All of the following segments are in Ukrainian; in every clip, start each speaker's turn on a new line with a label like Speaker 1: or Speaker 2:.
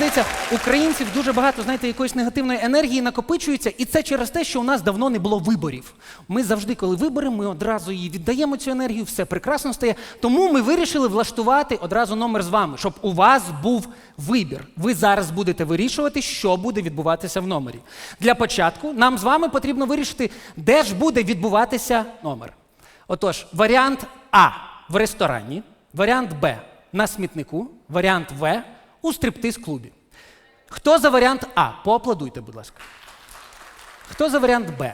Speaker 1: виявляється, українців дуже багато, знаєте, якоїсь негативної енергії накопичується, і це через те, що у нас давно не було виборів. Ми завжди, коли виберемо, ми одразу її віддаємо, цю енергію, все прекрасно стає. Тому ми вирішили влаштувати одразу номер з вами, щоб у вас був вибір. Ви зараз будете вирішувати, що буде відбуватися в номері. Для початку нам з вами потрібно вирішити, де ж буде відбуватися номер. Отож, варіант А – в ресторані, варіант Б – на смітнику, варіант В – у стриптиз-клубі. Хто за варіант А? Поаплодуйте, будь ласка. Хто за варіант Б?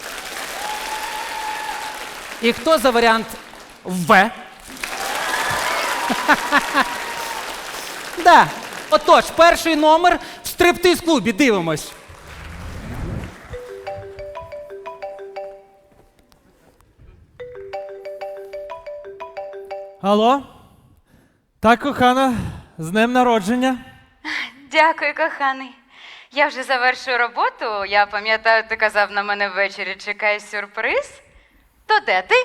Speaker 1: І хто за варіант В? Да. Отож, перший номер в стриптиз-клубі. Дивимось.
Speaker 2: Алло? Так, кохана, з днем народження.
Speaker 3: Дякую, коханий. Я вже завершую роботу. Я пам'ятаю, ти казав, на мене ввечері чекає сюрприз. То де ти?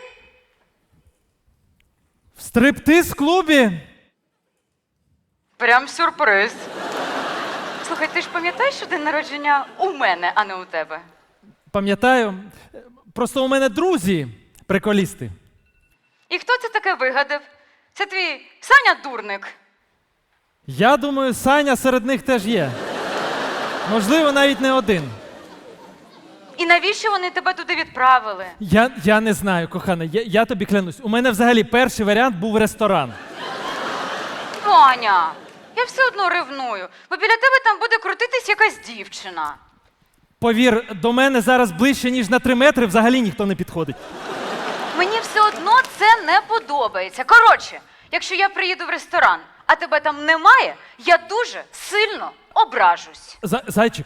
Speaker 2: В стриптиз-клубі?
Speaker 3: Прям сюрприз. Слухай, ти ж пам'ятаєш, що день народження у мене, а не у тебе?
Speaker 2: Пам'ятаю. Просто у мене друзі приколісти.
Speaker 3: І хто це таке вигадав? Це твій Саня Дурник.
Speaker 2: Я думаю, Саня серед них теж є. Можливо, навіть не один.
Speaker 3: І навіщо вони тебе туди відправили?
Speaker 2: Я не знаю, кохана, я тобі клянусь. У мене взагалі перший варіант був ресторан.
Speaker 3: Ваня, я все одно ревную, бо біля тебе там буде крутитись якась дівчина.
Speaker 2: Повір, до мене зараз ближче, ніж на 3 метри взагалі ніхто не підходить.
Speaker 3: Мені все одно це не подобається. Коротше, якщо я приїду в ресторан, а тебе там немає, я дуже сильно ображусь.
Speaker 2: Зайчик,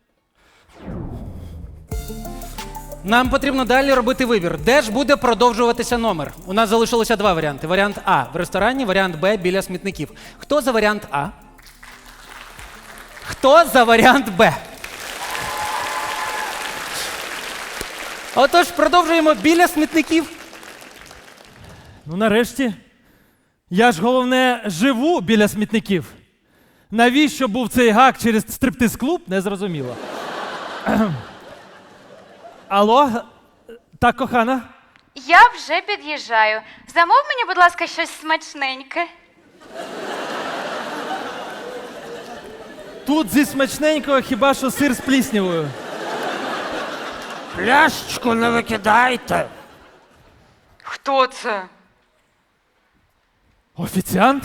Speaker 1: Нам потрібно далі робити вибір. Де ж буде продовжуватися номер? У нас залишилося 2 варіанти. Варіант А – в ресторані, варіант Б – біля смітників. Хто за варіант А? Хто за варіант Б? Отож, продовжуємо біля смітників.
Speaker 2: ну нарешті. Я ж, головне, живу біля смітників. Навіщо був цей гак через стриптиз-клуб, не зрозуміло. Алло? Так, кохана?
Speaker 3: Я вже під'їжджаю. Замов мені, будь ласка, щось смачненьке.
Speaker 2: Тут зі смачненького хіба що сир з пліснявою.
Speaker 4: Пляшечку не викидайте.
Speaker 3: Хто це?
Speaker 2: Офіціант?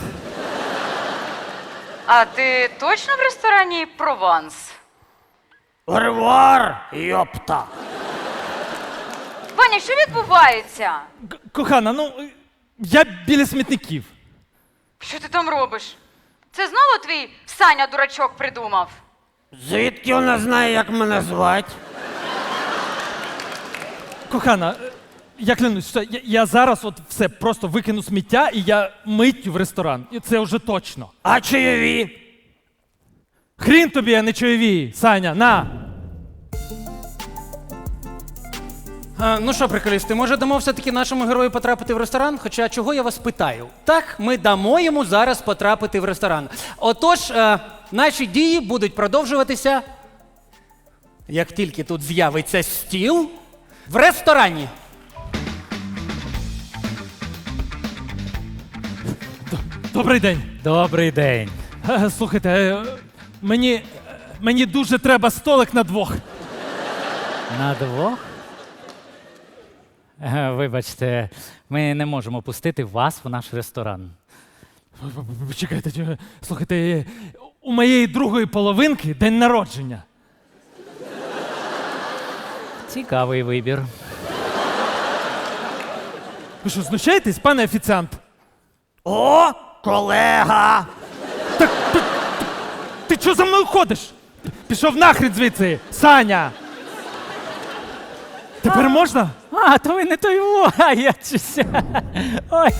Speaker 3: А ти точно в ресторані Прованс?
Speaker 4: Ревуар, йопта.
Speaker 3: Ваня, що відбувається?
Speaker 2: Кохана, ну, я біля смітників.
Speaker 3: Що ти там робиш? Це знову твій Саня дурачок придумав?
Speaker 4: Звідки вона знає, як мене звати?
Speaker 2: Кохана, я клянусь, що я зараз от все просто викину сміття і я миттю в ресторан. І це вже точно.
Speaker 4: А чайові?
Speaker 2: Хрін тобі, а не чайові, Саня, на!
Speaker 1: Ну що, приколісти, може дамо все-таки нашому герою потрапити в ресторан? Хоча чого я вас питаю? Так, ми дамо йому зараз потрапити в ресторан. Отож, наші дії будуть продовжуватися, як тільки тут з'явиться стіл, в ресторані.
Speaker 2: Добрий день.
Speaker 5: Добрий день.
Speaker 2: Слухайте, мені дуже треба столик на 2.
Speaker 5: На 2? Вибачте, ми не можемо пустити вас в наш ресторан.
Speaker 2: Почекайте, слухайте, у моєї другої половинки день народження.
Speaker 5: Цікавий вибір.
Speaker 2: Ви що, знущаєтесь, пане офіціант?
Speaker 4: О, колега!
Speaker 2: Ти чого за мною ходиш? Пішов нахрен звідси, Саня! Тепер можна?
Speaker 5: А, то ви не той во, а я щось. Ой.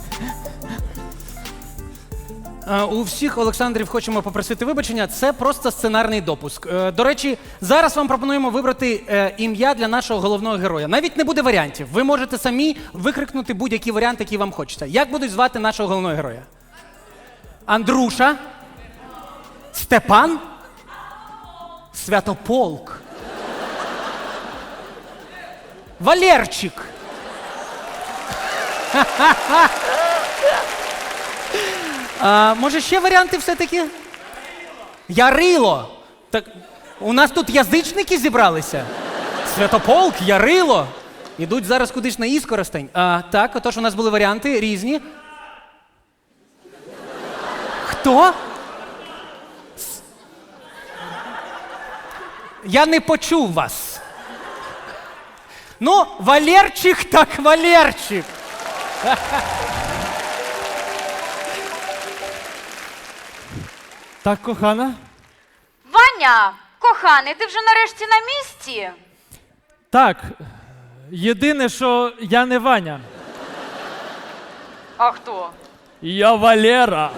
Speaker 1: У всіх Олександрів хочемо попросити вибачення, це просто сценарний допуск. До речі, зараз вам пропонуємо вибрати ім'я для нашого головного героя. Навіть не буде варіантів. Ви можете самі викрикнути будь-який варіант, який вам хочеться. Як будуть звати нашого головного героя? Андруша? Степан? Святополк. Валерчик. Може, ще варіанти все-таки? Ярило. Так у нас тут язичники зібралися. Святополк, Ярило. Ідуть зараз кудись на Іскоростень. Так, отож у нас були варіанти різні. Хто? Я не почув вас. Ну, Валерчик так Валерчик.
Speaker 2: Так, кохана?
Speaker 3: Ваня, коханий, ти вже нарешті на місці?
Speaker 2: Так. Єдине, що я не Ваня.
Speaker 3: А хто?
Speaker 2: Я Валера.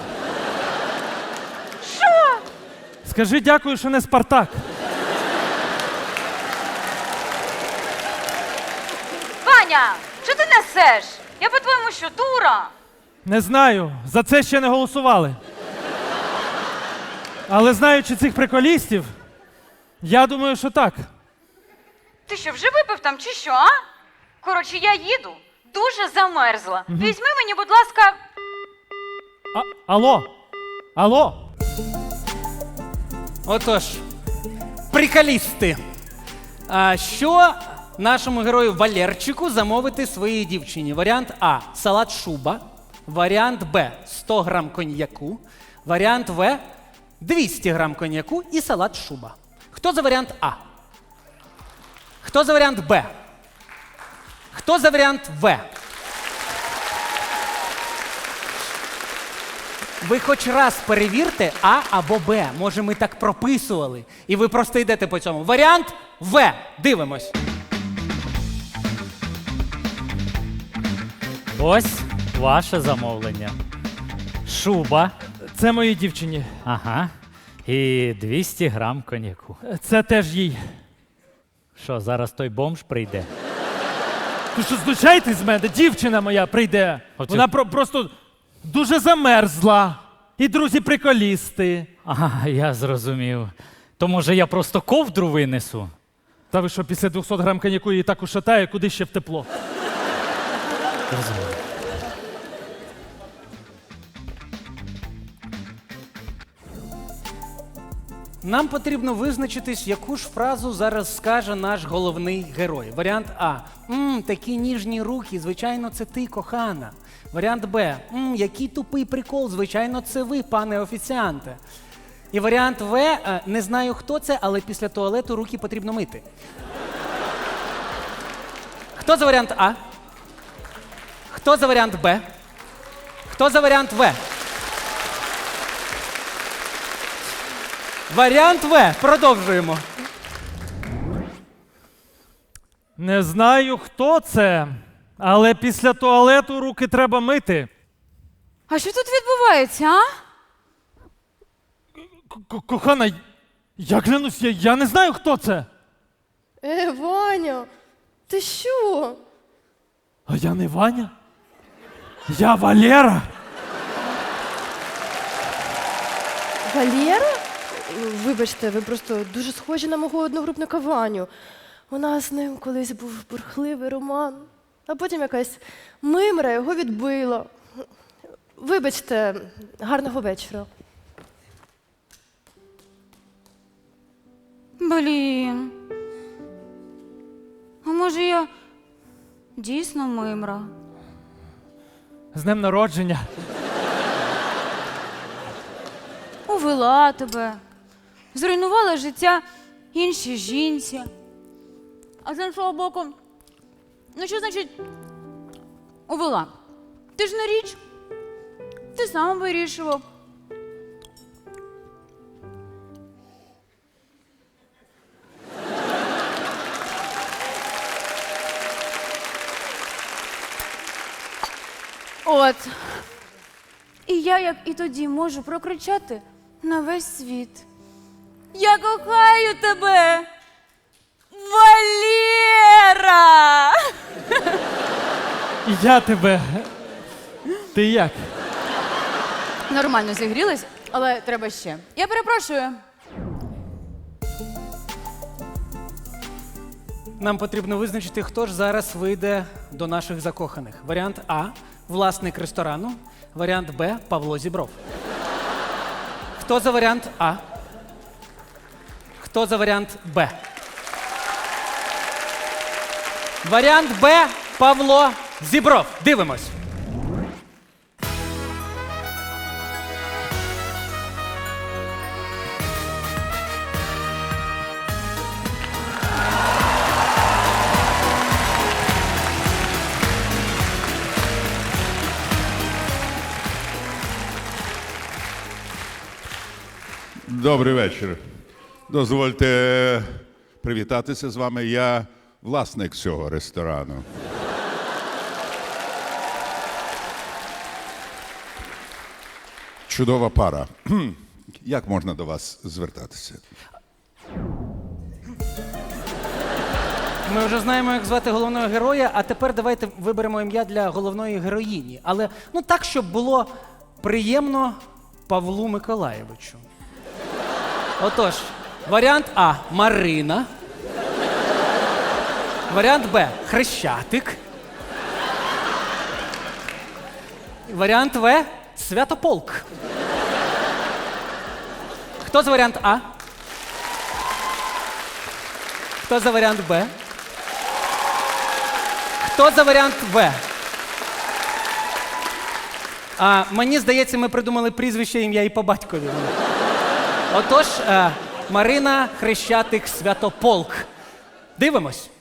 Speaker 3: Що?
Speaker 2: Скажи дякую, що не Спартак.
Speaker 3: Ваня, що ти несеш? Я по-твоєму що, дура?
Speaker 2: Не знаю, за це ще не голосували. Але знаючи цих приколістів, я думаю, що так.
Speaker 3: Ти що, вже випив там чи що, а? Коротше, я їду, дуже замерзла. Візьми мені, будь ласка,
Speaker 2: Алло? Алло?
Speaker 1: Отож, приколісти. Що нашому герою Валерчику замовити своїй дівчині? Варіант А – салат шуба. Варіант Б – 100 грам коньяку. Варіант В – 200 грам коньяку і салат шуба. Хто за варіант А? Хто за варіант Б? Хто за варіант В? Ви хоч раз перевірте А або Б. Може, ми так прописували. І ви просто йдете по цьому. Варіант В. Дивимось.
Speaker 5: Ось ваше замовлення. Шуба.
Speaker 2: Це моїй дівчині.
Speaker 5: Ага. І 200 грам коньяку.
Speaker 2: Це теж їй.
Speaker 5: Що, зараз той бомж прийде?
Speaker 2: Ви що, знущаєтесь з мене? Дівчина моя прийде.
Speaker 5: Оце-
Speaker 2: Вона просто дуже замерзла. І друзі-приколісти.
Speaker 5: Ага, я зрозумів. То може я просто ковдру винесу?
Speaker 2: Та ви що, після 200 грам коньяку її так ушатає, куди ще в тепло?
Speaker 5: Розумію.
Speaker 1: Нам потрібно визначитись, яку ж фразу зараз скаже наш головний герой. Варіант А. Такі ніжні руки, звичайно, це ти, кохана. Варіант Б. Який тупий прикол, звичайно, це ви, пане офіціанте. І варіант В. Не знаю, хто це, але після туалету руки потрібно мити. Хто за варіант А? Хто за варіант Б? Хто за варіант В? Варіант В. Продовжуємо.
Speaker 2: Не знаю, хто це, але після туалету руки треба мити.
Speaker 3: А що тут відбувається, а?
Speaker 2: Кохана, я клянусь, я не знаю, хто це.
Speaker 6: Ваня, ти що?
Speaker 2: А я не Ваня. Я Валера.
Speaker 6: Валера? Вибачте, ви просто дуже схожі на мого одногрупника Ваню. У нас з ним колись був бурхливий роман, а потім якась мимра його відбила. Вибачте, гарного вечора.
Speaker 3: Блін. А може я дійсно мимра?
Speaker 2: З днем народження.
Speaker 3: Увела тебе, зруйнувала життя іншій жінці. А з іншого боку, ну що значить увела? Ти ж не річ, ти сам вирішував. От. І я, як і тоді, можу прокричати на весь світ. Я кохаю тебе, Валера!
Speaker 2: І я тебе. Ти як?
Speaker 3: Нормально зігрілась. Але треба ще. Я перепрошую.
Speaker 1: Нам потрібно визначити, хто ж зараз вийде до наших закоханих. Варіант А – власник ресторану. Варіант Б – Павло Зібров. Хто за варіант А? Хто за варіант Б? Варіант Б – Павло Зібров. Дивимось.
Speaker 7: Добрий вечір. Дозвольте привітатися з вами. Я власник цього ресторану. Чудова пара. Як можна до вас звертатися?
Speaker 1: Ми вже знаємо, як звати головного героя, а тепер давайте виберемо ім'я для головної героїні. Але ну так, щоб було приємно Павлу Миколаєвичу. Отож, варіант А – Марина. Варіант Б – Хрещатик. Варіант В – Святополк. Хто за варіант А? Хто за варіант Б? Хто за варіант В? Мені здається, ми придумали прізвище, ім'я і по батькові. Отож, Марина, Хрещатик, Святополк. Дивимось.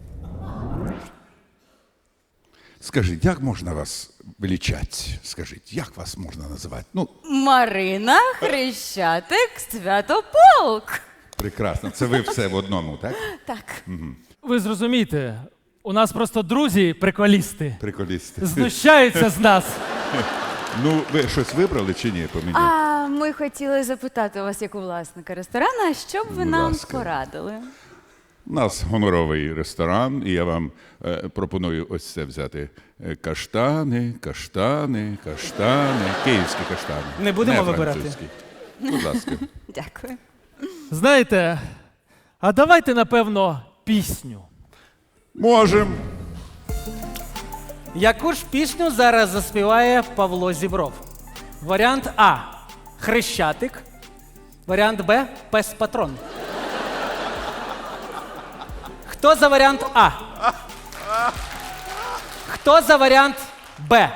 Speaker 7: Скажіть, як можна вас величати? Скажіть, як вас можна називати? Ну,
Speaker 3: Марина, Хрещатик, Святополк.
Speaker 7: прекрасно. Це ви все в одному, так?
Speaker 3: Так.
Speaker 2: Ви зрозумієте, у нас просто друзі приколісти.
Speaker 7: Приколісти.
Speaker 2: Знущаються з нас.
Speaker 7: Ну, ви щось вибрали чи ні по мені?
Speaker 3: А ми хотіли запитати у вас, як у власника ресторану, що б ви
Speaker 7: Будь
Speaker 3: нам
Speaker 7: ласка.
Speaker 3: порадили?
Speaker 7: У нас гоноровий ресторан, і я вам пропоную ось це взяти. Каштани, каштани, каштани. Київські каштани.
Speaker 1: Не будемо
Speaker 7: Не
Speaker 1: вибирати.
Speaker 7: французькі. Будь ласка.
Speaker 3: Дякую.
Speaker 2: Знаєте, а давайте, напевно, пісню.
Speaker 7: Можем.
Speaker 1: Яку ж пісню зараз заспіває Павло Зібров? Варіант А – Хрещатик. Варіант Б – Пес-патрон. Хто за варіант А? Хто за варіант Б?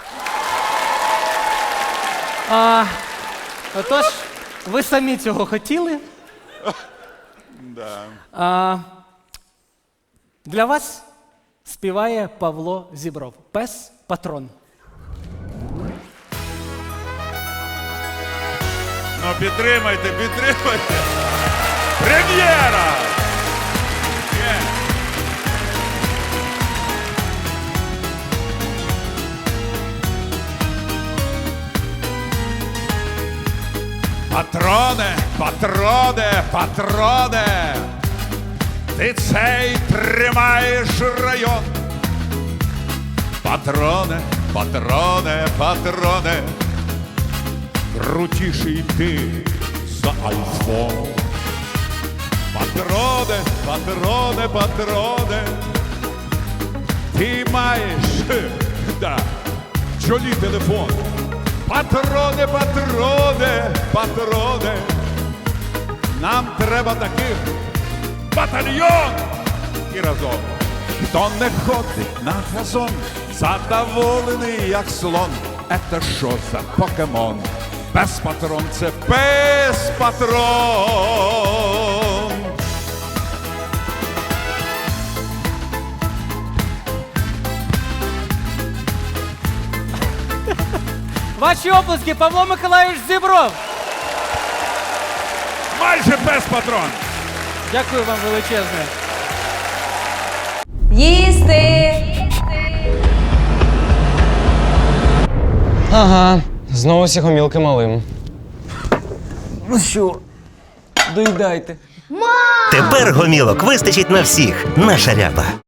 Speaker 1: Отож, ви самі цього хотіли. Для вас співає Павло Зібров. Пес-патрон.
Speaker 7: Ну, підтримайте, підтримайте. Прем'єра! Патроне, патроне, патроне, ти цей тримаєш район. Патроне, патроне, патроне, крутіший ти за айфон. Патроне, патроне, патроне, ти маєш, в чолі телефон. Патроне, патроне, патроне, нам треба таких батальйон. І разом. Хто не ходить на газон, задоволений як слон. Ета що за покемон? Пес-патрон – це пес-патрон.
Speaker 1: Ваші оплески, Павло Миколаївич Зібров.
Speaker 7: Майже пес-патрон.
Speaker 1: Дякую вам величезне.
Speaker 3: Їсти!
Speaker 8: Ага, знову сігомілки малим. Ну що, доїдайте.
Speaker 9: Тепер гомілок вистачить на всіх. Наша ряба.